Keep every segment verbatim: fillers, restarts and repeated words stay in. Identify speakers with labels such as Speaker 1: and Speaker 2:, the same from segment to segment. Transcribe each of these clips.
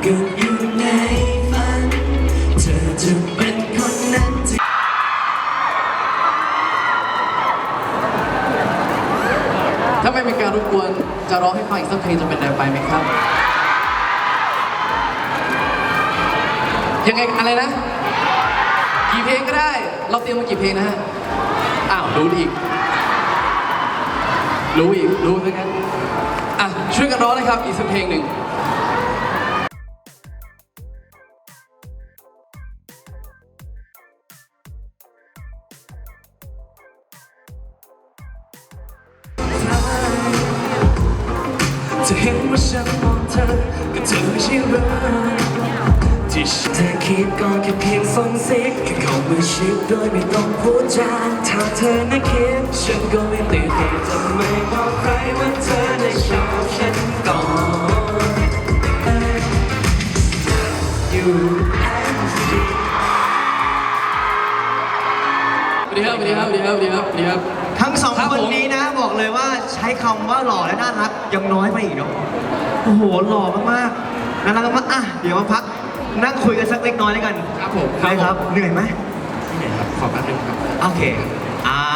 Speaker 1: ก็อยู่ในฝันเธอจะเป็นคนนั้นที่ถ้าไม่เป็นการรบกวนจะร้องให้ฟังอีกสักเพลงจะเป็นไรไปไหมครับยังไงอะไรนะกี่เพลงก็ได้เราเตรียมมากี่เพลงนะฮะอ้าวรู้อีกรู้อีกรู้ซะงั้นอ่ะช่วยกันร้องนะครับอีกสักเพลงหนึ่งจะเห็นว่าฉันมองเธอก็เธอไม่ใช่รักที่เธอคิดก็แค่เพียงส่งเสียงแค่เข้ามาชิดโดยไม่ต้องพูดจาถ้าเธอน่ะคิดฉันก็ไม่ติดจะไม่บอกใครว่าเธอได้ชอบฉันก่อนอยู่สวัสดีครับสวัสดีครับสวัสดีครับสวัสดีครับสวัสดีครับ
Speaker 2: ทั้งสองคนนี้นะบอกเลยว่าใช้คำว่าหล่อและน่ารักยังน้อยไปอีกเนาะโอ้โหหล่อมากๆน่ารักมากอ่ะเดี๋ยวมาพักนั่งคุยกันสักเล็กน้อยแล้วกัน
Speaker 1: ครับผม
Speaker 2: ครับเหนื่อยไหม
Speaker 1: ไม่เหนื่อยครับขอแป๊บนึงครับ
Speaker 2: โอเคอ่า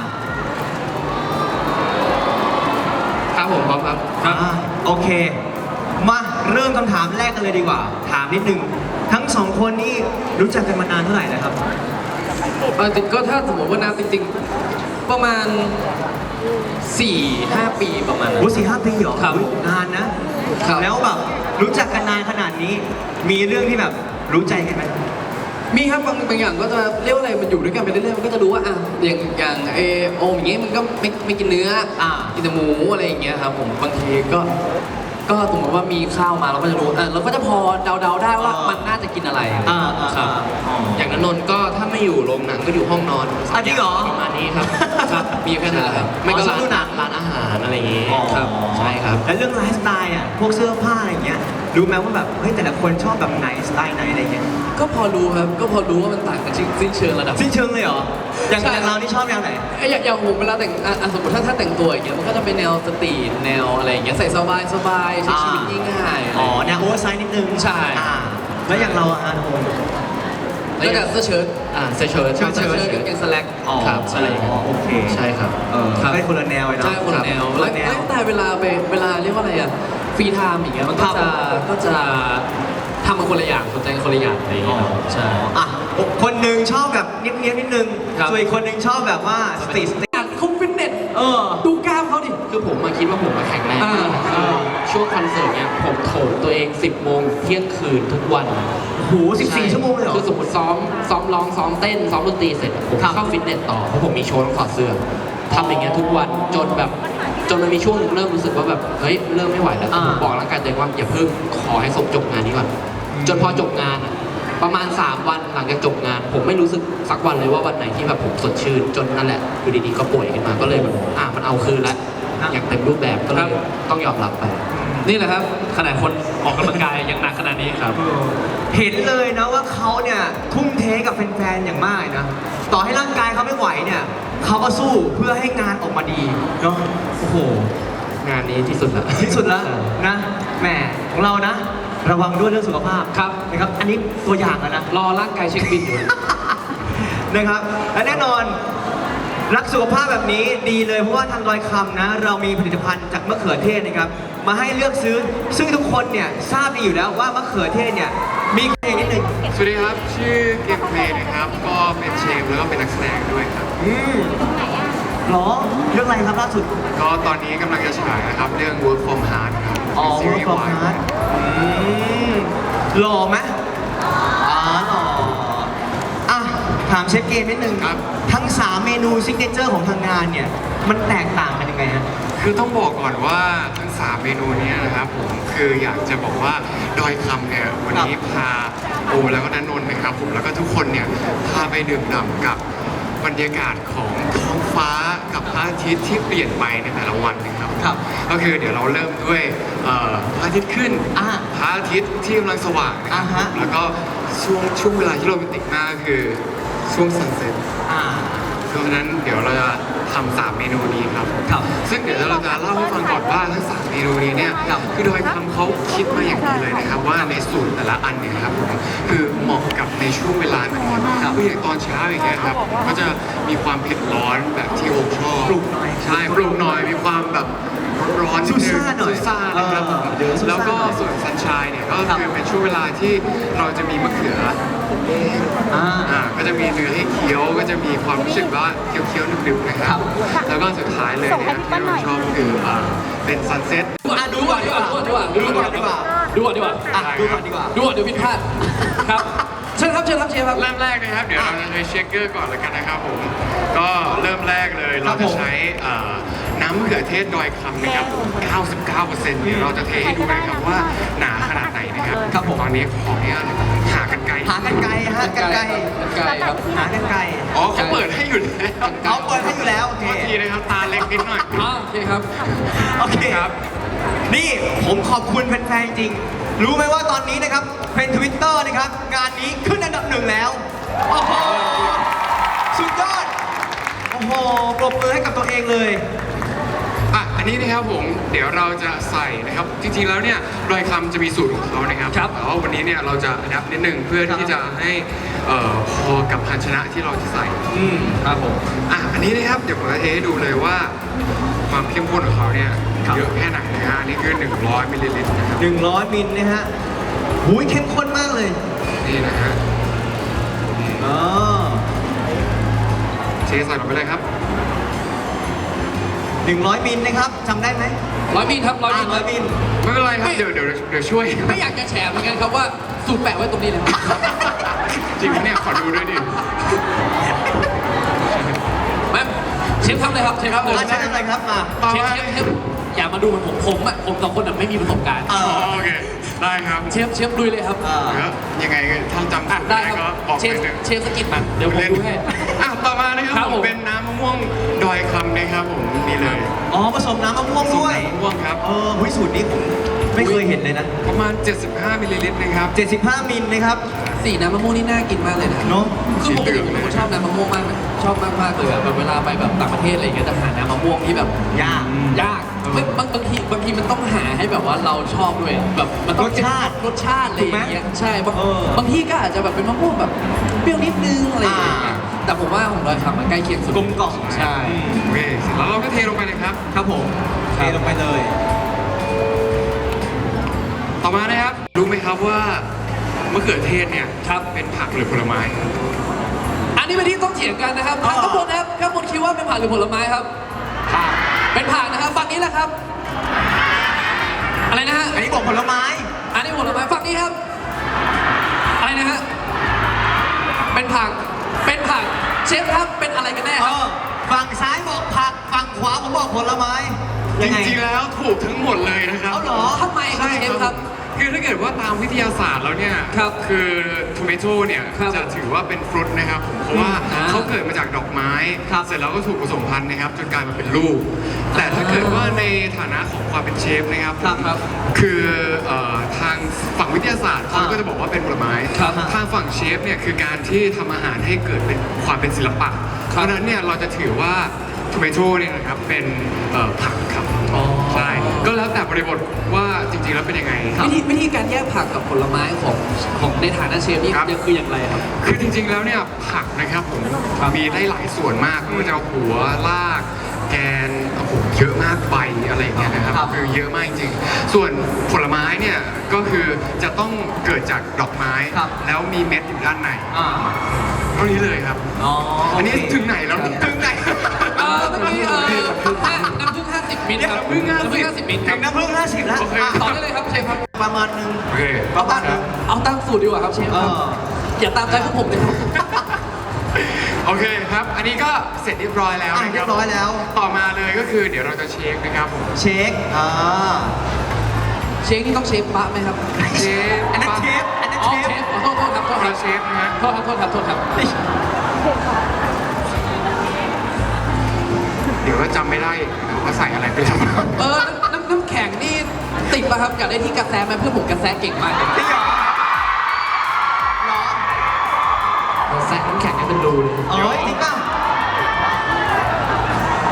Speaker 1: ครับผมพร้อมครับ
Speaker 2: อ่าโอเคมาเริ่มคำถามแรกกันเลยดีกว่าถามนิดนึงทั้งสองคนนี้รู้จักกันมานานเท่าไหร่แล้วครับ
Speaker 1: เออก็ถ้าสมมติว่านับจริงๆประมาณสี่ห้าปีประมาณนั้น
Speaker 2: โอ้สี่ห้าปีเหรอ
Speaker 1: ครับ
Speaker 2: นานนะแล้วแบบรู้จักกันนานขนาดนี้มีเรื่องที่แบบรู้ใจกันไหม
Speaker 1: มีครับบางบางอย่างก็จะเรียกว่าอะไรมันอยู่ด้วยกันไปเรื่อยๆมันก็จะรู้ว่าอ่ะอย่างอย่างเอโอมอย่างเงี้ยมันก็ไม่ไม่กินเนื้ออ่ากินแต่หมูอะไรอย่างเงี้ยครับผมบางทีก็ก็สมมติว่ามีข้าวมาเราก็จะรู้อ่ะเราก็จะพอเดาๆได้ว่ามันน่าจะกินอะไร
Speaker 2: อ่า
Speaker 1: ครับอย่างนั้นนนท์ก็ถ้าไม่อยู่โรงหนังก็อยู่ห้องนอน
Speaker 2: อันนี้เหรอ
Speaker 1: ประมาณนี้ครับครับมีแค่นั้นครับไม่ก็ร้านหนังร้านอาหารอะไรอย่างงี้ครับใช่ครับ
Speaker 2: แล้วเรื่องไลฟ์สไตล์อ่ะพวกเสื้อผ้าอะไรเงี้ยรู้ไหมว่าแบบเฮ้ยแต่ละคนชอบแบบไหนสไตล์ไหนอะไรเงี้ย
Speaker 1: ก็พอรู้ครับก็พอรู้ว่ามันต่างกันสิ้นเชิงระดับ
Speaker 2: สิ้นเชิงเลยเหรออย่างอย่างเรานี่ชอบแนวไหน
Speaker 1: อย่างอย่างผมเวลาแต่งอ่ะสมมติถ้าถ้าแต่งตัวอย่างเงี้ยมันก็จะเป็นแนวสตรีทแนวอะไรอย่างเงี้ยใส่สบายสบายใช้ชีวิตง่าย
Speaker 2: อ๋อแนวโอเวอร์ไซส์นิดนึง
Speaker 1: ใช่
Speaker 2: แล้วอย่างเราอ่ะโอม
Speaker 1: แล้วก็เสื้อเชิ้ตอ่าเสื้อเชิ้ตเสื้อเชิ้ตกางเกงสแล็กครับ
Speaker 2: ใช่โอเค
Speaker 1: ใช่ครับ
Speaker 2: เออให้คนละแนวเลยนะ
Speaker 1: ใช่คนละแนวแล้วแต่เวลาไปเวลาเรียกว่าอะไรอ่ะฟรีไทม์อย่างเงี้ยมันก็จะก็จะทำมาคนละอย่างสนใจคนละอย่างอะไรอย่างเงี้ยใช่
Speaker 2: อ่ะคนหนึ่งชอบแบบเนี้ยบๆนิดนึงส่วนอีกคนหนึ่งชอบแบบว่าสตรีท
Speaker 1: เขาฟิตเนสเออดูกล้ามเขาดิคือผมมาคิดว่าผมมาแข็งแรงช่วงคอนเสิร์ตเนี้ยผมโถมตัวเองสิบโมงเที่ยงคืนทุกวัน
Speaker 2: โหสิบสี่ชั่วโมงเลยเหรอ
Speaker 1: คือสมมติซ้อมซ้อมร้องซ้อมเต้นซ้อมดนตรีเสร็จผมเข้าฟิตเนสต่อเพราะผมมีโชว์ต้องถอดเสื้อทำอย่างเงี้ยทุกวันจนแบบจนมันมีช่วงนึงเริ่มรู้สึกว่าแบบเฮ้ยเริ่มไม่ไหวแล้วผมบอกร่างกายตัวเองว่าอย่าเพิ่งขอให้จบงานนี้ก่อนจนพอจบงานประมาณสามวันหลังจากจบงานผมไม่รู้สึกสักวันเลยว่าวันไหนที่แบบผมสดชื่นจนนั่นแหละอยู่ดีๆก็ป่วยขึ้นมาก็เลยแบบอ่ะมันเอาคืนแล้วอย่างเต็มรูปแบบก็เลยต้องยอมรับไปนี่แหละครับขนาดคนออกกำลังกายยังหนักขนาดนี้ครับ
Speaker 2: เห็นเลยนะว่าเขาเนี่ยทุ่มเทกับแฟนๆอย่างมากนะต่อให้ร่างกายเขาไม่ไหวเนี่ยเขาก็สู้เพื่อให้งานออกมาดีเนาะโอ้โห
Speaker 1: งานนี้ที่สุดละ
Speaker 2: ที่สุดแล้วนะแหมของเรานะระวังด้วยเรื่องสุขภาพ
Speaker 1: ครับ
Speaker 2: นะครับอันนี้ตัวอย่างแล้วนะ
Speaker 1: รอร่างกายเช็คบินอยู่
Speaker 2: นะครับและแน่นอนรักสุขภาพแบบนี้ดีเลยเพราะว่าทางดอยคำนะเรามีผลิตภัณฑ์จากมะเขือเทศนะครับมาให้เลือกซื้อซึ่งทุกคนเนี่ยทราบดีอยู่แล้วว่ามะเขือเทศเนี่ยมีเพลงนิดนึง
Speaker 3: สวัสดีครับชื่อเกมเพลย์นะครับก็เป็นเชฟแล้วก็เป็นนักแสดงด้วยครับ
Speaker 2: อืมหรอเรื่องอะไรครับล่าสุด
Speaker 3: ก็ตอนนี้กำลังจะฉายนะครับเรื่อง Work from Heart ครับ
Speaker 2: อ๋อ Work from Heart อืมหล่อไหมอ๋อหล่ออ่ะถามเชฟเกมนิดนึง
Speaker 3: ครับ
Speaker 2: ทั้งสามเมนูซิกเนเจอร์ของทางงานเนี่ยมันแตกต่างกันยังไงฮะ
Speaker 3: คือต้องบอกก่อนว่าทั้งสามเมนูนี้นะครับผมคืออยากจะบอกว่าดอยคำเนี่ยวันนี้พาโอแล้วก็นันนนท์นะครับผมแล้วก็ทุกคนเนี่ยพาไปดื่มด่ำกับบรรยากาศของท้องฟ้ากับพระอาทิตย์ที่เปลี่ยนไปในแต่ละวันนะครับ
Speaker 2: ครับ
Speaker 3: ก็คือเดี๋ยวเราเริ่มด้วยพระอาทิตย์ขึ้นพระอาทิตย์ที่กำลังสว่างนะครับแล้วก็ช่วงช่วงเวลาที่โรแมนติกมากคือช่วงซันเซ็ตเพราะฉะนั้นเดี๋ยวเราจะททำสามเมนูนี้ครับ
Speaker 2: ครับ
Speaker 3: ซึ่งเดี๋ยวเราจะเล่าให้ฟังก่อนว่าทั้งสามเมนูนี้เนี่ยคือโดยคำเขาคิดมาอย่างดีเลยนะครับว่าในสูตรแต่ละอันเนี่ยครับผมคือเหมาะกับในช่วงเวลาไหนครับคืออย่างตอนเช้าอย่างเงี้ยครับก็จะมีความเผ็ดร้อนแบบที่โอมชอบ
Speaker 2: ปรุงหน่อย
Speaker 3: ใช่ปรุงหน่อยมีความแบบร้อนๆ
Speaker 2: ซูซ่าหน่อย
Speaker 3: ซูซ่านะครับผม
Speaker 2: เออเดี๋ยวซูซ่า
Speaker 3: แล้วก็
Speaker 2: หน่อย
Speaker 3: ส่วนซันชายเนี่ยก็
Speaker 2: ครับ
Speaker 3: คือเป็นช่วงเวลาที่เราจะมีมะเขือ
Speaker 2: อ่า
Speaker 3: อ่าก็จะมีเนื้อให้เคี้ยวก็จะมีความรู้สึกว่าเคี้ยวๆหนึบๆนะครับ แล้วก็สุดท้ายเลยเนี่ยที่เราชอบคืออ่าเป็นซันเซ็ต
Speaker 1: อ่ะดูก่อนดีกว่าดูก่อนดีกว่า
Speaker 2: ดูก่อนดีกว่า
Speaker 1: ดูก่อนดีกว่า
Speaker 2: อ่ะดูก่อนดีกว่า
Speaker 1: ดูก่อนเดี๋ยวผิดพลาดครับเชิญครับเชิญครับเชฟครับ
Speaker 3: เริ่มแรกนะครับ เดี๋ยวเราจะใช้เชคเกอร์ก่อนเลยกันนะครับผม ก็เริ่มแรกเลยเราจะใช้เอ่อน้ำมะเขือเทศดอยคำนะครับผม เก้าสิบเก้าเปอร์เซ็นต์ เดี๋ยวเราจะเทให้ดูนะครับว่าหนาขนาดไหนนะครับ
Speaker 2: ครับผม
Speaker 3: ตอนนี้ขออนุญาตหากันไกล
Speaker 2: หากันไกลฮะกันไกล
Speaker 1: ไกลครับ
Speaker 2: หากันไกล
Speaker 3: อ๋อเขาเปิดให้อยู่แล้ว
Speaker 2: เขาเปิดให้อยู่แล้วโอเค
Speaker 3: โทษทีนะครับตาเล็กนิดหน่อย
Speaker 1: อ่าโอเคครับ
Speaker 2: โอเค
Speaker 3: ครับ
Speaker 2: นี่ผมขอบคุณแฟนๆจริง รู้ไหมว่าตอนนี้นะครับเป็นทวิตเตอร์นะครับ งานนี้ขึ้นอันดับหนึ่งแล้ว โอ้โห สุดยอด โอ้โห ปรบมือให้กับตัวเองเลย
Speaker 3: อ่ะ อันนี้นะครับผม เดี๋ยวเราจะใส่นะครับ จริงๆ แล้วเนี่ยดอยคำจะมีสูตรของเขานะครับ
Speaker 1: ครับ
Speaker 3: แต่ว่าวันนี้เนี่ยเราจะอัดนิดนึงเพื่อที่จะให้เอ่อพอกับภาชนะที่เราจะใส่
Speaker 2: อืม
Speaker 1: ครับผม
Speaker 3: อ่ะ อันนี้นะครับ เดี๋ยวผมจะเทให้ดูเลยว่าความเข้มข้นของเขาเนี่ย
Speaker 2: ครับ
Speaker 3: เยอะแค่ไหนนะฮะอันนี่คือ หนึ่งร้อยมิลลิลิตรนะครับ
Speaker 2: หนึ่งร้อยมิลนะฮะหูยเข้มข้นมากเลย
Speaker 3: นี่นะฮะ
Speaker 2: อ๋อ
Speaker 3: เทใส่ลงไปเลยครับ
Speaker 2: หนึ่งร้อยมิลนะครับจำได้ไหม
Speaker 1: ร้อยมิลครับร้อยมิล
Speaker 2: ร้อยมิล
Speaker 3: ไม่เป็นไรครับ เดี๋ยวเดี๋ยวเดี๋ยวช่วย
Speaker 1: ไม่อยากจะแฉเหมือนกันครับว่าสูตรแปะไว้ตรงนี้เลยครับ
Speaker 3: จริงไหมเนี่ย ขอดูด้วยดิ
Speaker 1: แม่เชฟทำเลยครับเชฟทำเลย
Speaker 2: อาจารย์อะไรครับมา
Speaker 3: ต่อ
Speaker 1: เชฟ
Speaker 3: มา
Speaker 1: เชฟเชฟอย่ามาดูเหมือนผมผมอ่ะผมกับคนอ่ะไม่มีประสบการณ์
Speaker 2: เอ
Speaker 3: อ๋อโอเค ได้ครับ
Speaker 1: เชฟเชฟดูเลยครับ
Speaker 2: อ่า
Speaker 3: เดี๋ยวยังไงท่านจำ
Speaker 1: อ่ะ
Speaker 3: สูตร
Speaker 1: ได้
Speaker 3: ได้
Speaker 1: ค
Speaker 3: ก็
Speaker 1: รับ
Speaker 3: บอก
Speaker 1: เช
Speaker 3: ไป
Speaker 1: ฟ
Speaker 3: เลย
Speaker 1: เชฟสกิดมาเดี๋ยวผมดูให้
Speaker 3: อ่ะต่อมานะครับ
Speaker 1: ครับ
Speaker 3: ผ
Speaker 1: ผม ม
Speaker 3: เป็นน้ำมะม่วงดอยคำนะครับผมนี่เลย
Speaker 2: อ๋อผสมน้ำมะม่วงด้วย
Speaker 3: มะม่วงครับ
Speaker 2: เออหุยสูตรนี้ผมไม่เคยเห็นเลยนะ
Speaker 3: ประมาณ เจ็ดสิบห้ามิลลิลิตรนะครับ
Speaker 2: เจ็ดสิบห้ามิลนะครับ
Speaker 1: สีน้ำมะม่วงนี่น่ากินมากเลยนะ
Speaker 2: เนอะ
Speaker 1: คือปกติผมเป็นคนชอบน้ำมะม่วงมากนะชอบมากมากๆเลยอะแบบเวลาไปแบบต่างประเทศอะไรอย่างเงี้ยจะหาน้ำมะม่วงที่แบบ
Speaker 2: ยาก
Speaker 1: ยากไม่บางบางทีบางทีมันต้องหาให้แบบว่าเราชอบด้วยแบบมันต้อง
Speaker 2: รสชาติ
Speaker 1: รสชาติอะไรอย่างเงี้ยใช่บาง
Speaker 2: เออ
Speaker 1: บางที่ก็อาจจะแบบเป็นมะม่วงแบบเปรี้ยวนิดนึงอะไรอย่างเงี้ย
Speaker 2: อ่า
Speaker 1: แต่ผมว่าของดอยคำมันใกล้เคียงสุด
Speaker 2: กลมกล่อม
Speaker 1: ใช่
Speaker 3: โอเคเสร็จแล้วเราก็เทลงไปเลยครับ
Speaker 2: ครับผมเทลงไปเลย
Speaker 3: ต่อมานะครับ รู้ไหมครับว่ามะเขือเทศเนี่ยครับเป็นผักหรือผลไม้
Speaker 1: อันนี้เป็นที่ต้องเถียงกันนะครับ
Speaker 2: อ๋อ
Speaker 1: ข้างบนนะครับข้างบนคิดว่าเป็นผักหรือผลไม้ครับเป็นผักนะครับฝั่งนี้แหละครับ อะไรนะฮะ
Speaker 2: อันนี้บอกผลไม้
Speaker 1: อันนี้ผลไม้ฝั่งนี้ครับ อะไรนะฮะ เป็นผัก เป็นผัก เชฟครับ เป็นอะไรกันแน่
Speaker 2: เอ
Speaker 1: ครับ
Speaker 2: อฝั่งซ้ายบอกผัก ฝั่งขวาผมบอกผลไม้
Speaker 3: จ
Speaker 2: ยังไง
Speaker 3: ริงๆแล้วถูกทั้งหมดเลยนะครับ
Speaker 2: เอาเหรอ
Speaker 1: ทำไมครับเชฟครับ
Speaker 3: คือถ้าเกิดว่าตามวิทยาศาสตร์แล้วเนี่ย
Speaker 1: ครับ
Speaker 3: คือทูเมโตเนี่ย
Speaker 1: ครับ
Speaker 3: จะถือว่าเป็นฟรุตนะครับผมเพราะว่า
Speaker 1: อ่า
Speaker 3: เขาเกิดมาจากดอกไม้
Speaker 2: ครับ
Speaker 3: เสร็จแล้วก็ถูกผสมพันธุ์นะครับจนกลายมาเป็นลูก แต่ถ้าเกิดว่าในฐานะของความเป็นเชฟนะครับ
Speaker 2: ครับครับ
Speaker 3: คือเอ่อทางฝั่งวิทยาศาสตร์เขา
Speaker 2: อ่า
Speaker 3: ก็จะบอกว่าเป็นผลไม้
Speaker 1: ครับ
Speaker 3: ทางฝั่งเชฟเนี่ยคือการที่ทำอาหารให้เกิดเป็นความเป็นศิลปะ เพราะฉะนั้นเนี่ยเราจะถือว่าทูเมโตเนี่ยนะครับเป็นเอ่อผักครับ
Speaker 1: อ๋อ
Speaker 3: ใช่ ก็แล้วแต่บริบทว่าจริงๆ แล้วเป็นยังไง
Speaker 1: วิธีวิธีการแยกผักกับผลไม้ของของในฐานะเชฟนี่
Speaker 3: ครับ
Speaker 1: คืออย่างไรครับ
Speaker 3: คือจริงๆ แล้วเนี่ยผักนะครับผม
Speaker 1: ครับ
Speaker 3: มีได้หลายส่วนมากไม่ว่าจะหัวรากแกนโอ้โหเยอะมากใบอะไรอย่างเงี้ยนะครับ
Speaker 2: ครับ
Speaker 3: คือเยอะมากจริงๆ ส่วนผลไม้เนี่ยก็คือจะต้องเกิดจากดอกไม้
Speaker 2: ครับ
Speaker 3: แล้วมีเม็ดอยู่ด้านใน
Speaker 2: อ่า
Speaker 3: เท่านี้เลยครับ
Speaker 2: อ๋อ
Speaker 3: อั
Speaker 2: อั
Speaker 3: นนี้ถึงไหนแล้วเนี่ยถึงไหน
Speaker 1: เออเมื่อกี้เออห้าน้ำผึ้งห้าสิบมิลครับ
Speaker 3: น้ำผึ้งห้าสิบ
Speaker 1: ห้าสิบมิลค
Speaker 2: ถึ
Speaker 1: รับ
Speaker 2: งน้ำผึ้งห้าสิบแล้ว
Speaker 3: โอเค
Speaker 2: อ่ะ
Speaker 1: ต่อได้เลยครับเชฟครับ
Speaker 2: ประมาณนึง
Speaker 3: โอเค
Speaker 2: ประมาณนึง
Speaker 1: เอาตามสูตรดีกว่าครับเชฟครับ
Speaker 2: เออ
Speaker 1: อย่าตามใจพวกผมเลยครับ
Speaker 3: โอเคครับ อันนี้ก็เสร็จเรียบร้อยแล้ว
Speaker 2: อ่ะ
Speaker 3: นะค
Speaker 2: เรี
Speaker 3: รั
Speaker 2: ยบร้อยแล้ว
Speaker 3: ต่อมาเลยก็คือเดี๋ยวเราจะเช็คนะครับผม
Speaker 2: เช็ค อ่า
Speaker 1: เชฟนี่ต้องเชฟบะไหมครับ
Speaker 3: เชฟ
Speaker 2: อันนั้นเชฟ อันนั้น
Speaker 1: อ๋อ
Speaker 2: เชฟ
Speaker 1: เชฟขอโทษโทษครับโทษ
Speaker 3: ค
Speaker 1: ค
Speaker 3: รั
Speaker 1: รั
Speaker 3: บบ เชฟนะฮะ
Speaker 1: โทษครับโทษครับโทษครับ
Speaker 3: เดี๋ยวก็จำไม่ได้ว่าใส่อะไรไปแล้ว
Speaker 1: เออน้ำน้ำแข็งนี่ติดป่ะครับอยากได้ที่กระแสไหมเพื่อนผมกระแสเก่งมากเลย
Speaker 2: จริงเหรอเหรอก
Speaker 1: ระแสน้ำแข็งนี่เป็นรูเลย
Speaker 2: เอ้ยจริงเปล่า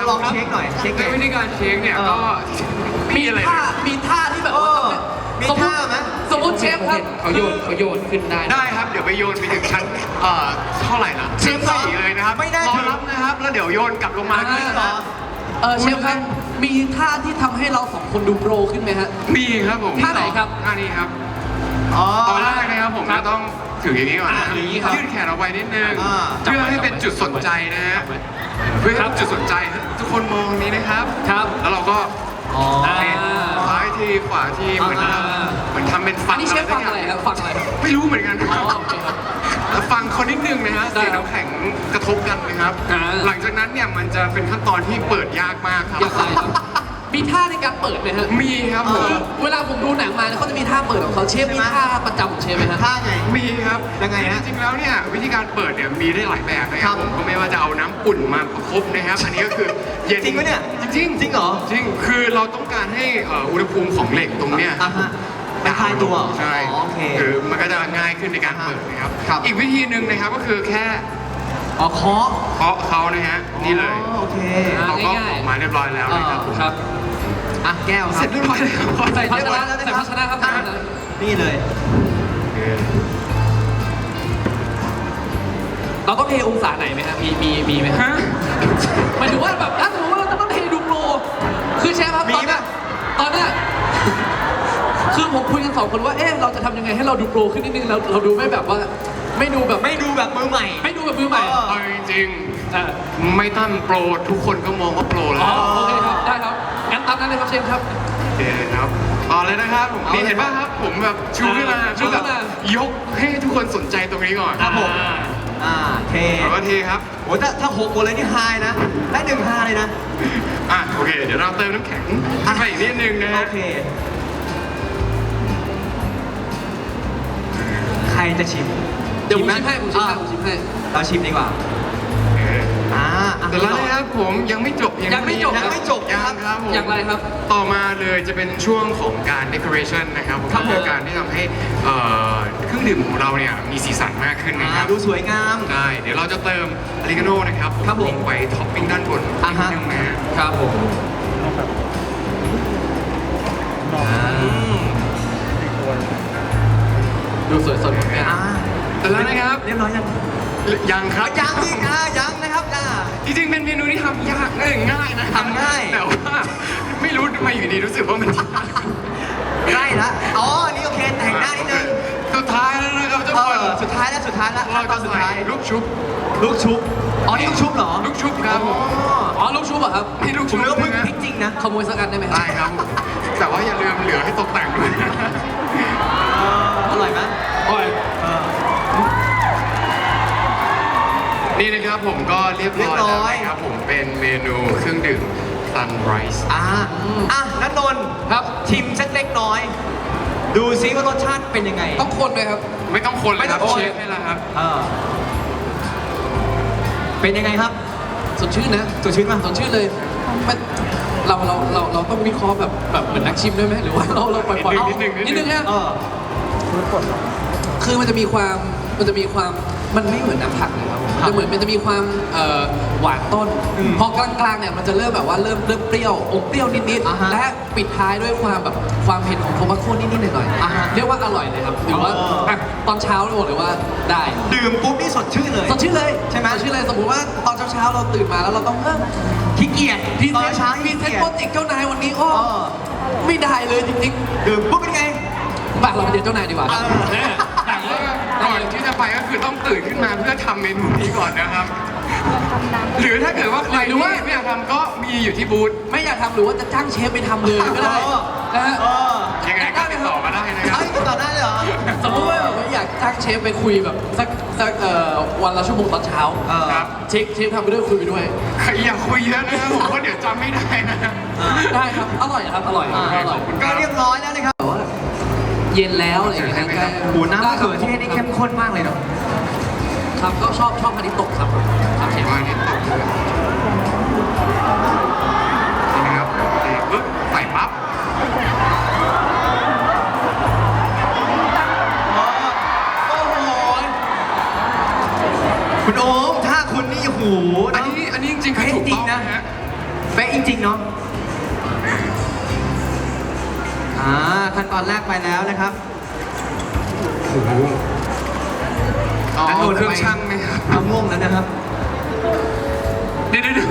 Speaker 2: ลองเช็คหน่อยเช็ค
Speaker 3: ใน
Speaker 2: ไง
Speaker 3: วิธีการเช็คเนี่ย
Speaker 2: เออ
Speaker 3: ก็มีอะไร
Speaker 1: ท่ามีท่าที่แบบ
Speaker 2: เอ
Speaker 1: ว่า
Speaker 2: อมี
Speaker 1: สมมุติ
Speaker 2: ท่าไหม
Speaker 1: สมมติเชฟครับเขาโยนเขาโยนขึ้นได้
Speaker 3: ได้ครับเดี๋ยวไปโยนไปถึงชั้นเอ่อเท่าไหร่นะ
Speaker 2: เชฟ
Speaker 3: ชั้นสี่เลยนะครับ
Speaker 2: ไม่น่าร
Speaker 3: อ
Speaker 2: ถึง
Speaker 3: รับนะครับแล้วเดี๋ยวโยนกลับลงมา
Speaker 1: อ่า
Speaker 3: ที่
Speaker 2: เหรอ
Speaker 1: เออเชฟครับมีท่าที่ทำให้เราสองคนดูโปรขึ้นไหมฮะ
Speaker 3: มีครับผม
Speaker 1: ท่าไหนครับ
Speaker 3: ท่านี้ครับ
Speaker 2: อ๋อ
Speaker 3: ตอนแรกนะครับผม
Speaker 1: ครั
Speaker 3: จะ
Speaker 1: บ
Speaker 3: ต้องถืออย่างนี้ก่อนนะ
Speaker 1: อ่าอย่างนี้ครับ
Speaker 3: ยืดแขนออกไปนิดนึง
Speaker 2: อ่า
Speaker 3: เพื่อให้เป็นจุดสนใจนะฮะเพื่อให้เป็นจุดสนใจทุกคนมองนี้นะครับ
Speaker 1: ครับ
Speaker 3: แล้วเราก็
Speaker 1: อ๋อ
Speaker 3: เทซ้ายทีขวาทีเหมือน
Speaker 1: อ่า
Speaker 3: เหมือนทำเป็น
Speaker 1: อั
Speaker 3: ฟั
Speaker 1: น
Speaker 3: ง
Speaker 1: นี้เชฟฟังอะไรครับฟังอะไรครับ
Speaker 3: ไม่รู้เหมือนกันค
Speaker 1: อ๋
Speaker 3: รั
Speaker 1: อบ โอเคครับ
Speaker 3: แล้วฟังเขานิดนึงนะฮะ
Speaker 1: ได้
Speaker 3: เสียง
Speaker 1: ครับ
Speaker 3: น้ำแข็งกระทบกันนะครับ
Speaker 1: อ่า
Speaker 3: หลังจากนั้นเนี่ยมันจะเป็นขั้นตอนที่เปิดยากมากครับ
Speaker 1: อยากไรครับมีท่าในการเปิดไหมฮะ
Speaker 3: มีครับผม
Speaker 1: คือเวลาผมดูหนังมาเนี่ยเขาจะมีท่าเปิดของเขาเชฟมีท่าประจำของเชฟไหมฮะ
Speaker 2: ท่าไง
Speaker 3: มีครับ
Speaker 2: ยังไงฮะ
Speaker 3: จริงๆแล้วเนี่ยวิธีการเปิดเนี่ยมีได้หลายแบบนะค
Speaker 2: ครั
Speaker 3: รับบ ผมก็ไม่ว่าจะเอาน้ำอุ่นมาประคบนะครับ อันนี้ก็คือเย็น
Speaker 2: จริงปะเนี่ย
Speaker 3: จริงจริง
Speaker 2: จริงเหรอ
Speaker 3: จริงคือเราต้องการให้เอ่ออุณหภูมิของเหล็กตรงเนี้ย
Speaker 2: อ่ะฮะมันคลายตัว
Speaker 3: ใช่
Speaker 2: อ๋อโอเค
Speaker 3: คือมันก็จะง่ายขึ้นในการเปิดนะครับ
Speaker 2: ครับ
Speaker 3: อีกวิธีหนึ่งนะครับก็คือแค่
Speaker 2: อ๋อเคาะ
Speaker 3: เคาะเขานะฮะนี่เลย
Speaker 2: อ๋อโอเค
Speaker 1: อ่า
Speaker 3: เขาก็
Speaker 1: ง่ายๆ
Speaker 3: ออกมาเรียบร้อยแล้วนะครับ
Speaker 1: ครับ
Speaker 2: อ่ะแก้วค
Speaker 3: เส
Speaker 2: รั
Speaker 3: ร็
Speaker 2: บ
Speaker 3: จเรียบร้อยแล้ว
Speaker 1: ใส่ภาช
Speaker 2: เรียบร้อย
Speaker 1: นะ
Speaker 2: แล้วนะ
Speaker 1: ใส่
Speaker 2: ครั
Speaker 1: ภาชนะครับ
Speaker 2: อ่ะ
Speaker 1: ใส่ภาชนะ
Speaker 2: นี่เลย
Speaker 1: เราต้องเทองศาไหนไหมครับมีมีมีไหมฮะ
Speaker 3: ฮะ
Speaker 1: หมายถึงว่าแบบถ้าสมมติว่าเราจะต้องเทดูโปรคือเชฟครับ
Speaker 2: มี
Speaker 1: ตอนเนี้ย
Speaker 2: ปะ
Speaker 1: ตอนเนี้ยคือผมคุยกันสองคนว่าเอ๊ะเราจะทำยังไงให้เราดูโปรขึ้นนิดนึงเราเราดูไม่แบบว่า ไม่ดูแบบ
Speaker 2: ไม่ดูแบบมือใหม่
Speaker 1: ไม่ดูแบบมือใหม่
Speaker 2: เออ
Speaker 3: เอาจริง
Speaker 1: อ่า
Speaker 3: ๆไม่ตั้งโปรทุกคนก็มองว่าโปรแล้
Speaker 1: อ๋อ
Speaker 3: ว
Speaker 1: โอเคครับได้ครับงั้นตามนั้นเลยครับเชฟครับ
Speaker 3: โอเคครับต่อเลยนะครับผม
Speaker 2: เอาเลย
Speaker 3: นี่เห็นป่ะครับ ผมแบบชูขึ้นมา
Speaker 1: ชูขึ้นมา
Speaker 3: ยกให้ทุกคนสนใจตรงนี้ก่อน
Speaker 2: ครับผม
Speaker 1: อ่า
Speaker 2: อ่าเท
Speaker 3: แล้วก็เทครับ
Speaker 2: โอ้ถ้าถ้าหกหมดเลยนี่ไฮนะ ได้หนึ่งไฮเลยนะ
Speaker 3: อ่ะโอเค เดี๋ยวเราเติมน้ำแข็งไปอีกนิดนึงนะฮะ
Speaker 2: โอเค ใครจะชิม
Speaker 1: เดี๋ยวผม
Speaker 2: ไห
Speaker 1: ชิมให้ผมชิมให้
Speaker 2: อ่ะ
Speaker 1: ผมชิมให้
Speaker 2: เราชิมดีกว่า
Speaker 3: โอเค
Speaker 2: อ่าอ่ะ
Speaker 3: แต่แล้วนะครับผมยังไม่จบเพียง
Speaker 1: ยังไม่จบ
Speaker 3: เท่า
Speaker 2: ยัง
Speaker 3: นี้
Speaker 2: ไม่จบ
Speaker 3: ยั
Speaker 2: นะครับ
Speaker 3: งครับผม
Speaker 1: อย่างไรครับ
Speaker 3: ต่อมาเลยจะเป็นช่วงของการ decoration นะครับผม
Speaker 2: ครับผม
Speaker 3: คือการที่ทำให้เอ่อเครื่องดื่มของเราเนี่ยมีสีสันมากขึ้นนะค
Speaker 2: อ่า
Speaker 3: รับ
Speaker 2: ดูสวยงาม
Speaker 3: ใช่เดี๋ยวเราจะเติมอริกาโน่นะครับ
Speaker 2: ครับผม
Speaker 3: ลงไปท็อปปิ้งด้านบน
Speaker 2: อ่า
Speaker 3: นิ
Speaker 2: ฮะ
Speaker 3: ดนึงนะฮะ
Speaker 1: ครับผม
Speaker 2: อืม
Speaker 1: ดูสวยสดงดงาม
Speaker 2: อ่า
Speaker 3: แต่แล้วนะครับ
Speaker 2: เรียบร้อยยัง
Speaker 3: ยังครับ
Speaker 2: ยังอีกอ่ายังนะครับอ่า
Speaker 3: จริงๆเป็นเมนูที่ทำยากเอ้ยง่ายนะ
Speaker 2: ทำง่าย
Speaker 3: แต่ว่าไม่รู้ทำไมอยู่ดีรู้สึกว่ามันยาก
Speaker 2: ใกล้ละอ๋อ นี่โอเค แต่งหน้านิดนึง
Speaker 3: สุดท้ายแล้วนะครับทุก
Speaker 2: เอ
Speaker 3: คน
Speaker 2: อสุดท้ายแล้วสุดท้ายแล้ว
Speaker 3: เรา
Speaker 2: ต
Speaker 3: จะ
Speaker 2: อนสุด
Speaker 3: ใส่
Speaker 2: ท้าย
Speaker 3: ลูกชุบ
Speaker 2: ลูกชุบ อ๋อ นี่ลูกชุบเหรอ
Speaker 3: ลูกชุบครับผม
Speaker 1: อ๋อลูกชุบเหรอครับ
Speaker 3: นี่ลูก
Speaker 2: ผ
Speaker 3: ชุ
Speaker 2: ม
Speaker 3: บ
Speaker 2: นึกว่าเพิ่ง
Speaker 3: นะ
Speaker 2: พริกจริงนะ
Speaker 1: ขโมยสักอันได้ไหม
Speaker 3: ได้ครับ แต่ว่าอย่าลืมเหลือให้ตกแต่งด้วย
Speaker 2: อร่อยไหม
Speaker 1: โอ้ย
Speaker 2: เออ
Speaker 3: นี่นะครับผมก็เรียบร้อยแล้ว
Speaker 2: เรียบร้อย
Speaker 3: นะครับผมเป็นเมนูเครื่องดื่ม Sunrise
Speaker 2: อ่าอ่ะนันนนท์
Speaker 1: ครับ
Speaker 2: ชิมสักเล็กน้อย ดูซิว่ารสชาติเป็นยังไง
Speaker 1: ต้องคนไหมครับ
Speaker 3: ไม่ต้องคนเลยครับ
Speaker 2: ไม่ต้องคน
Speaker 3: เชฟให้แล้วครับ
Speaker 2: เออเป็นยังไงครับ
Speaker 1: สดชื่นนะ
Speaker 2: สดชื่นป่ะ
Speaker 1: สดชื่นเลยมันเราเราเราเราต้องวิเคราะห์แบบแบบเหมือนนักชิมด้วยไหมหรือว่าเราเราปล่อยปล่อย
Speaker 3: นิดนึงนิดนึง
Speaker 1: นิดนึงนะ
Speaker 2: เออ
Speaker 1: คือมันจะมีความมันจะมีความมันไม่เหมือนน้ำผักเลยครับมันจะเหมือนมันจะมีความเอ่อหวานต้น
Speaker 2: อืม
Speaker 1: พอกลางๆเนี่ยมันจะเริ่มแบบว่าเริ่มเริ่มเปรี้ยวอมเปรี้ยวนิด
Speaker 2: อ่าฮะ
Speaker 1: ๆและปิดท้ายด้วยความแบบความเผ็ดของโทมัสโคนิดๆหน่อย
Speaker 2: อ่าฮะ
Speaker 1: ๆเรียกว่าอร่อยเลยครับหรือว่า
Speaker 2: อ๋ออ่
Speaker 1: ะตอนเช้าเราบอกเลยว่าได้
Speaker 2: ดื่มปุ๊บนี่สดชื่นเลย
Speaker 1: สดชื่นเลย
Speaker 2: ใช่ไหม
Speaker 1: สดชื่นเลยสมมติว่าตอนเช้าๆเราตื่นมาแล้วเราต้องเริ่ม
Speaker 2: ขี้เกียจ
Speaker 1: พรี
Speaker 2: ต
Speaker 1: เซ
Speaker 2: อน
Speaker 1: นต์
Speaker 2: เช้า
Speaker 1: พรี
Speaker 2: ขี้
Speaker 1: เซน
Speaker 2: เกี
Speaker 1: ต์
Speaker 2: ยจ
Speaker 1: โปรเจกต์เจ้านายวันนี้โอ้
Speaker 2: เออ
Speaker 1: ไม่ได้เลยจริง
Speaker 2: ดื่มปุ๊บเป็นไง
Speaker 1: ๆบ้านเราไปเจอเจ้านายดีกว่า
Speaker 2: เออ
Speaker 1: แน่
Speaker 3: แต่ว่าก่อนที่จะไปก็คือต้องตื่นขึ้นมาเพื่อทำเมนูนี้ก่อนนะครับ หรือถ้าเกิดว่าใครที่ไม่อยากทำก็มีอยู่ที่บูธ
Speaker 1: ไม่อยากทำหรือว่าจะจ้างเชฟไปทำเลยก็ได้
Speaker 2: เออ
Speaker 1: นะฮะ
Speaker 2: เออ
Speaker 3: ยังไงก็ติดต่อมาได้นะครับ
Speaker 2: เอ้ยติดต่อได้เลยเหรอ
Speaker 1: สมมติว่าแบบว่าอยากจ้างเชฟไปคุยแบบสักสักเอ่อวันละชั่วโมงตอนเช้า
Speaker 2: เออ
Speaker 3: ครับ
Speaker 1: เชฟเชฟทำไปด้วยคุยไปด้วย
Speaker 3: ใครอยากคุยเยอะนะครับผมว่าเดี๋ยวจำไม่ได้นะ
Speaker 1: ได้ครับอร่อยครับอร่อย
Speaker 2: อ่า
Speaker 1: อร่อย
Speaker 2: ก็เรียบร้อยแล้วนะครับ
Speaker 1: แต่ว่าเย็นแล้วอะไรอย่างเงี้ยนะ
Speaker 2: โอ้โหน้ำมะเขือเทศนี่เข้มข้นมากเลยเนาะ
Speaker 1: ครับก็ชอบชอบพันธุ์ตกครับครับเชฟ
Speaker 3: ว่านี่ตกเลยนี่นะครับเทปุ๊บใส่ปั๊บ
Speaker 2: โอ้โห คุณโอมถ้าคุณนี่โอ้โห
Speaker 3: อันนี้อันนี้จริงๆคือถูกต้อง
Speaker 2: จริงนะ
Speaker 3: นะฮะ
Speaker 2: จริงๆเนาะอ่าขั้นตอนแรกไปแล้วนะครับ
Speaker 3: โอ้โหอ๋อ
Speaker 2: แล้วโดน
Speaker 3: เครื่อง
Speaker 2: ไป
Speaker 3: ช่างไหมครับ
Speaker 2: เอาง่วงแล้วนะครับ
Speaker 3: เดี๋ยวเดี๋ยวเดี๋ยว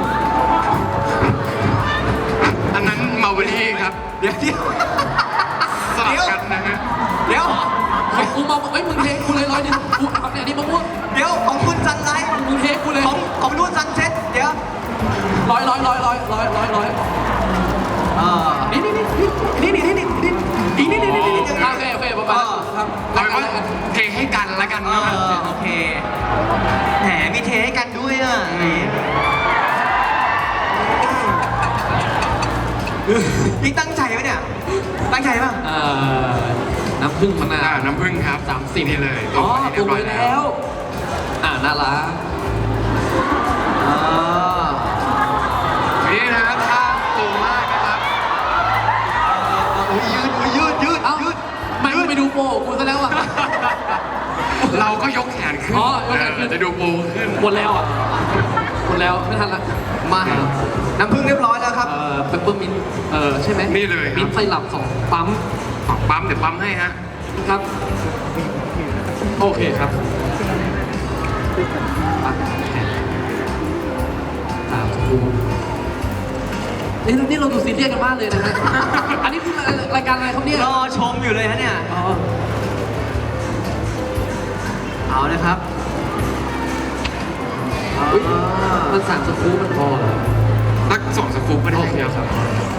Speaker 3: อันนั้นมาเวลี่ครับ
Speaker 2: เดี๋ยวเดี๋ยว
Speaker 3: สลับกันนะฮะ
Speaker 2: เดี๋ยว
Speaker 1: ของกูมาเอ้ยมึงเทกูเลยร้อยหนึงกูเอาเนี่ยนี่มะม่วง
Speaker 2: เดี๋ยวของคุณซันไลท์
Speaker 1: มึงเทกูเลย
Speaker 2: ของของนู่นซันเซ็ตเดี๋ยว
Speaker 1: ร้อยร้อยร้อยร้อยร้อยร้อยร้อย
Speaker 2: เอ่อ
Speaker 1: นี่นี่นี่
Speaker 2: นี่นี่นี่นี่นี่นี่นี่นี่นี่นี่นี่
Speaker 1: โอเคโอเคประมาณนั้นครับ
Speaker 3: เอาเป็นว่าเทให้กันแล้วกัน
Speaker 2: เอ
Speaker 3: เนาะ
Speaker 2: อโอเคแหมมีเทให้กันด้วยอ่ะนี่ตั้งใจไหมเนี่ย ตั้งใจป่ะ
Speaker 1: เอ่อน้ำผึ้งมะนา
Speaker 3: อ่าว น้ำผึ้งครับ
Speaker 1: สามสิบ
Speaker 3: นี่เลย
Speaker 1: อ๋อ
Speaker 3: มา
Speaker 1: ปรุงไว้แล้ว อ่าน่ารัก
Speaker 2: อ่า
Speaker 3: นี่นะครับท่าตรงมากนะครับ
Speaker 2: โอ้ยยืดโอ้ยยืดยืด
Speaker 1: เอ้า
Speaker 2: ยืด
Speaker 1: ไม่มึงไปดูโปรกูซะแล้วอ่ะ
Speaker 3: เราก็ยกแขนขึ้น
Speaker 1: อ๋อยกแขนขึ้น
Speaker 3: เออจะดูโปขึ้น
Speaker 1: หมดแล้วอ่ะหมดแล้วไม่ทันละ
Speaker 2: มาน้ำพึ่งเรียบร้อยแล้วครับ
Speaker 1: เอ่อเปปเปอร์มินเออใช่ไหม
Speaker 3: นี่เลยครับ
Speaker 1: มิ้นท์ไฟหลับสองปั๊ม
Speaker 3: ปักปั๊มเดี๋ยวปั๊มให้ฮะ
Speaker 1: ครับ โอเคครับปั๊มสามสกูนี่นี่เราดูซีเรียสกันมากเลยนะฮะ อันนี้คือรายการอะไรครับเนี่ย
Speaker 2: รอชมอยู่เลยฮะเนี่ย
Speaker 1: อ๋อ
Speaker 2: เอานะครับ
Speaker 1: อุ๊ยมันสามสกูมันพอเหรอ
Speaker 3: สักสองสกู๊ปก็ได้
Speaker 1: โอเค
Speaker 3: ค
Speaker 1: ครั
Speaker 3: รับบ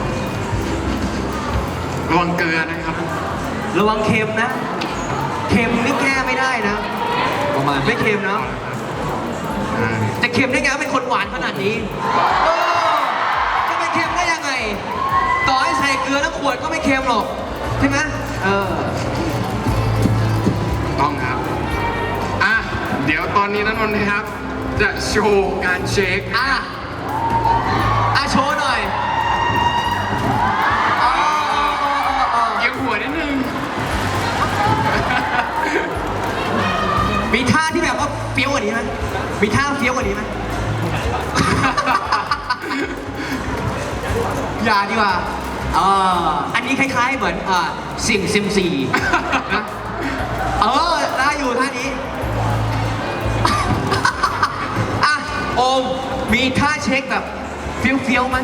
Speaker 3: ระวังเกลือนะครับ
Speaker 2: ระวังเค็มนะ เค็มนี่แก้ไม่ได้นะ
Speaker 1: ประมาณ
Speaker 2: ไม่เค็มนะ
Speaker 3: อ่า
Speaker 2: จะเค็มได้ไงเป็นคนหวานขนาดนี้เออจะไปเค็มได้ยังไง ต่อให้ใส่เกลือทั้งขวดก็ไม่เค็มหรอกใช่ไหมเออ
Speaker 3: ต้องครับ อ่ะ เดี๋ยวตอนนี้นะนนท์นะครับ จะโชว์การเช็ค
Speaker 2: อ่ะ อ่ะโชว์หน่อยอ๋ออ๋ออ๋ออ๋อ
Speaker 3: เอียงหัวนิดนึง
Speaker 2: มีท่าที่แบบว่าเฟี้ยวกว่านี้ไหมมีท่าเฟี้ยวกว่านี้ไหม อย่าดีกว่าเอออันนี้คล้ายๆเหมือนอ่าสิ่งซิมซีนะเออได้อยู่ท่านี้ อ่ะโอมมีท่าเช็คแบบเฟี้ยวๆไหม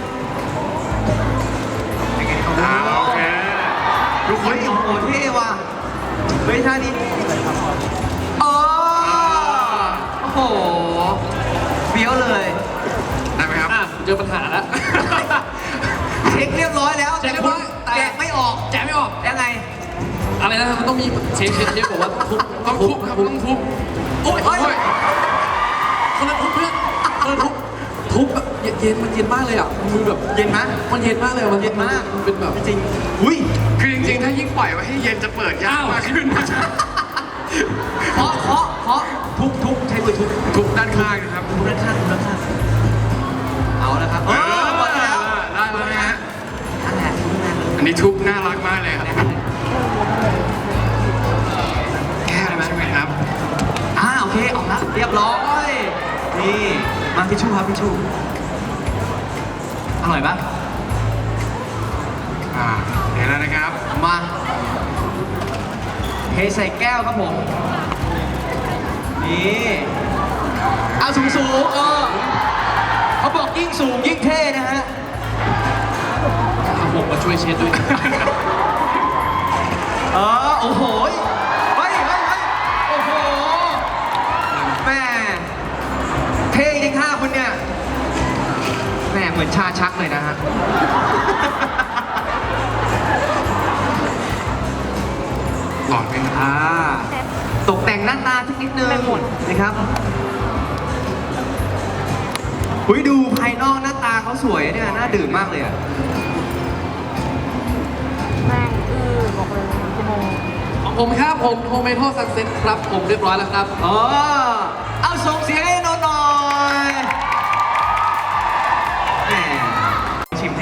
Speaker 2: เป็นไง
Speaker 3: อ่าโอเค ทุกค
Speaker 2: เฮ้
Speaker 3: น
Speaker 2: ยโอ้โหเท่ว่ะเฮ้ยท่านี้เออโอ้โหเฟี้ยวเลย
Speaker 3: ได้ไหมครับ
Speaker 1: อ่ะเจอปัญหาแล้ว
Speaker 2: เช็คเรียบร้อยแล้ว
Speaker 1: เช็คเรียบร้อยแต่
Speaker 2: แกะไม่ออก
Speaker 1: แจกไม่ออก
Speaker 2: ยังไง
Speaker 1: อะไรนะมันต้องมีเชฟเชฟเชฟบอกว่าต้องทุบ
Speaker 3: ต้องทุบครับต้องทุบ
Speaker 1: โอ้ย
Speaker 2: โอ้
Speaker 1: โอ้
Speaker 2: ย
Speaker 1: ยคนละทุบเพื่อนคนละทุบทุบแบบเย็นมันเย็นมากเลยอ่ะมือแบบ
Speaker 2: เย็นไหม
Speaker 1: มันเย็นมากเลยอะมัน
Speaker 2: เย็นมาก
Speaker 1: มันเป็นแบบ
Speaker 2: จริงๆอุ้ย
Speaker 3: คือจริงๆ ถ้ายิ่งปล่อยไว้ให้เย็นจะเปิดยากมากขึ้น
Speaker 2: เคาะเคาะเคาะทุบทุบใช้มือทุบ
Speaker 3: ทุบด้านข้างนะครับ
Speaker 2: ทุบด้านข้างทุบด้านข้างเอาแล้วครับเออหมดแล้ว
Speaker 3: ได้แล้วนะฮะ
Speaker 2: นั่นแหละทุบนั่นแหละ
Speaker 3: อันนี้ทุบน่ารักมากเลยครับ แก้แล้วใช่ไหมครับ
Speaker 2: อ่าโอเคออกแล้วเรียบร้อยนี่มาทิชชู่ครับทิชชู่อร่อยปะ
Speaker 3: อ่าเห็นแล้วนะครับ
Speaker 2: มาเทใส่แก้วครับผมนี่เอาสูงสูงๆเออเขาบอกยิ่งสูงยิ่งเท่นะฮะ
Speaker 1: เอาผมมาช่วยเช็ดด้วยนะ
Speaker 2: เออโอ้โหเฮ้ยเฮ้ยเฮ้ยโอ้โหแม่เท่จริงค่ะคุณเนี่ยแม่เหมือนชาชักเลยนะฮะ
Speaker 3: หลอดไหมครับ
Speaker 2: อ่าตกแต่งหน้าตาสักนิดนึงนะครับหุยดูภายนอกหน้าตาเขาสวยเนี่ยน่าดื่มมากเลยอ่ะ
Speaker 4: แม่งอื้อบอกเลยชั่วโมง
Speaker 1: ของผมครับผมโฮมเมโทซันเซ็ตครับผมเรียบร้อยแล้วครับ
Speaker 2: อ๋อเอาส่งเสียงให้นนท์หน่อยแหมชิมสิ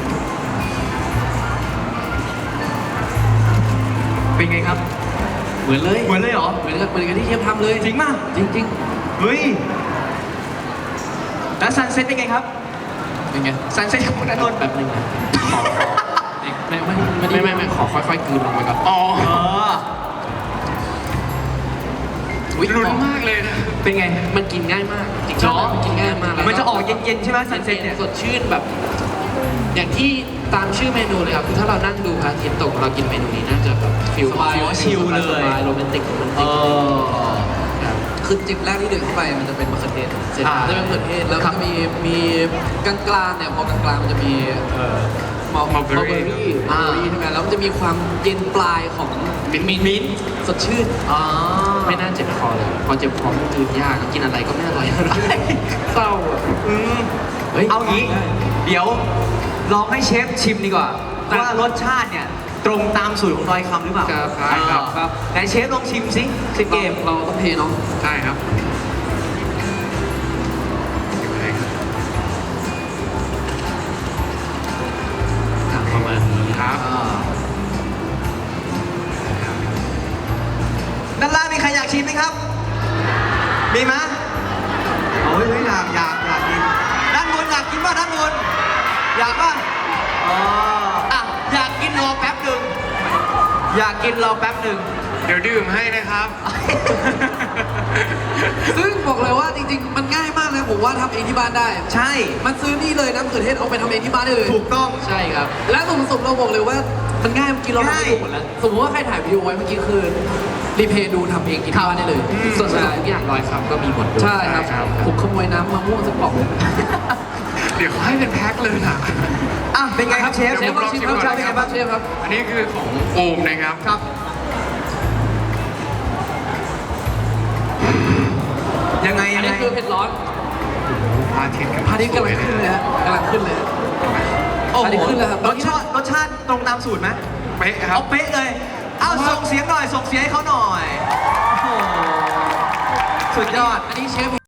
Speaker 2: เป็นไงครับ
Speaker 1: เหมือนเลย
Speaker 2: เหมือนเลยเหรอ
Speaker 1: เหมือนกับเหมือนกับที่เชฟทำเลย
Speaker 2: จริงป่ะ
Speaker 1: จริงจริง
Speaker 2: เฮ้ยแล้วซันเซ็ตเป็นไงครับ
Speaker 1: ๆ
Speaker 5: เป็นไง
Speaker 2: ซันเซ็ตของนันนนท์
Speaker 1: แบบนึงนะขอขอไม่ไม่ไม่ไม่ไม่ขอค่อยๆกลืนลงไปก่อน
Speaker 3: อ๋อ
Speaker 2: เออ
Speaker 5: อุ๊ย
Speaker 3: ลุ้นมากเลยนะ
Speaker 2: เป็นไง
Speaker 1: มันกินง่ายมากจริง
Speaker 2: เหรอ
Speaker 1: ๆมันกินง่ายมากแล้ว
Speaker 2: มันจะออกเย็นๆใช่ไหมซันเซ็ตเนี่ย
Speaker 1: สดชื่นแบบ อย่างที่ตามชื่อเมนูเลยครับคือถ้าเรานั่งดูพระอาทิตย์ตกเรากินเมนูนี้น่าจะแบบฟิล
Speaker 5: สบาย
Speaker 1: ฟิล
Speaker 2: ชิลเลย
Speaker 1: สบายโรแมนติกโรแมน
Speaker 2: เอ
Speaker 1: ติก
Speaker 2: อ
Speaker 1: ครับ
Speaker 5: คือจิบแรกที่ดื่มเข้าไปมันจะเป็นมะเขือเทศเสร็จ
Speaker 2: อ่า
Speaker 5: จะเป็นมะเขือเทศแล้ว
Speaker 2: ครั
Speaker 5: ก็
Speaker 2: บ
Speaker 5: มีมีกลางกลางๆเนี่ยพอกลางกลางๆมันจะมีเอ่อมอล
Speaker 3: Mulberry
Speaker 5: เบอร์รี่เบอร์รี่ใช่ไหมแล้วมันจะมีความเย็นปลายของ
Speaker 3: มิ้นท์
Speaker 5: มิ้นมิ้นท์สดชื่น
Speaker 2: อ๋อ
Speaker 1: ไม่น่าเจ็บคอเลยพอเจ็บคอมันกลืนยากกินอะไรก็ไม่อร่อยเศร้าอะ
Speaker 2: อืม
Speaker 1: เฮ้ย
Speaker 2: เอางี้ เดี๋ยวลองให้เชฟชิมดีกว่า ว่ารสชาติเนี่ย ตรงตามสูตรของดอยคำหรือเปล่า
Speaker 1: ครับ
Speaker 3: ใช่ครับ
Speaker 2: เออไหนเชฟลองชิมสิสิเกม
Speaker 5: เราต้องเทเนาะ
Speaker 3: ใช่ครับ
Speaker 1: อ่ะประมาณนี้
Speaker 3: ครับ
Speaker 2: ด้านล่างมีใครอยากชิมไหมครับ มีไหมโอ้ยเฮ้ยอยากอยากอยากกิน ด้านบนอยากกินป่ะด้านบน อยากป่ะอ๋ออ่ะอยากกินรอแป๊บหนึ่ง อยากกินรอแป๊บหนึ่ง
Speaker 3: เดี๋ยวดื่มให้นะครับ
Speaker 5: ซึ่งบอกเลยว่าจริงๆ มันง่ายมากเลยผมว่าทำเองที่บ้านได้
Speaker 2: ใช่
Speaker 5: มันซื้อนี่เลยน้ำมะเขือเทศเอาไปทำเองที่บ้านได้เลย
Speaker 2: ถูกต้อง
Speaker 1: ใช่ครับ
Speaker 5: และสมสมเราบอกเลยว่ามันง่ายเมื่อกี้เราทำ
Speaker 2: ง่าย
Speaker 5: ให้ดูหมดแล้ว สมมติว่าใครถ่ายวิดีโอไว้เมื่อกี้คือรีเพย์ดูทำเองกินที่บ้านได้เลย
Speaker 2: อืม
Speaker 1: ส่วนสทุกอย่างร้อยคำก็มีหมดด้วย
Speaker 5: ใช่ครับ ผมขโมยน้ำมะม่วงสักป๋อง
Speaker 3: เดี๋ยวให้เป็นแพ็คเลยนะ
Speaker 2: อ่ะเป็นไงครับเชฟ
Speaker 3: เดี๋ยวผมลองชิมก่อน
Speaker 2: เชฟเป็นไงบ้าง
Speaker 5: เชฟครับ
Speaker 3: อันนี้คือของโอมนะครับ
Speaker 2: ครับ ยังไง
Speaker 5: อั
Speaker 2: ยั
Speaker 5: น
Speaker 2: งไง
Speaker 5: นี้คือเผ็ดร้อน
Speaker 3: พระอาทิตย์
Speaker 5: พาทิตย์กำลังขึ้นเลยฮะกำลังขึ้นเลย
Speaker 2: โอ้โห
Speaker 5: อันนี้ขึ้นแล้วครับ
Speaker 2: รสชาติรสชาติตรงตามสูตรไหม
Speaker 3: เป๊ะครั
Speaker 2: เอา
Speaker 3: บ
Speaker 2: เป๊ะเลย เอาส่งเสียงหน่อย ส่งเสียงให้เขาหน่อย โอ้โห สุดยอด
Speaker 5: อันนี้เชฟ